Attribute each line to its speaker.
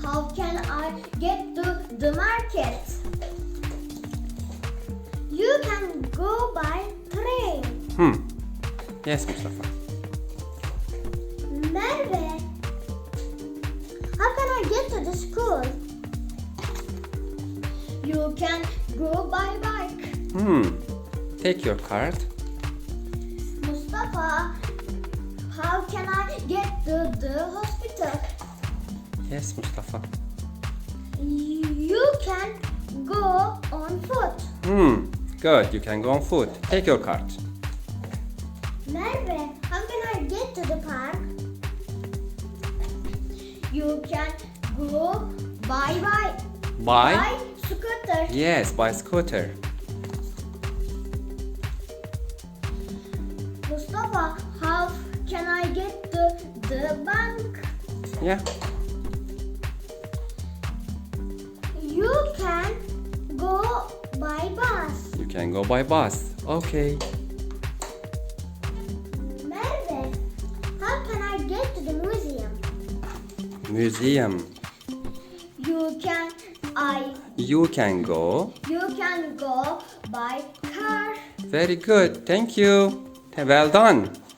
Speaker 1: how can I get to the market? You can go by train.
Speaker 2: Yes, Mustafa.
Speaker 1: Merve, how can I get to the school? You can go by bike.
Speaker 2: Take your card.
Speaker 1: Mustafa, how can I get to the hospital?
Speaker 2: Yes, Mustafa.
Speaker 1: You can go on foot.
Speaker 2: Good. You can go on foot. Take your card.
Speaker 1: Merve, how can I get to the park? You can go by
Speaker 2: By?
Speaker 1: scooter.
Speaker 2: Yes, by scooter.
Speaker 1: Mustafa, how can I get to the bank?
Speaker 2: Yeah.
Speaker 1: You can go by bus.
Speaker 2: You can go by bus. Okay.
Speaker 1: Merve, how can I get to the museum?
Speaker 2: Museum.
Speaker 1: You can
Speaker 2: You can go.
Speaker 1: go by car.
Speaker 2: Very good. Thank you. Well done.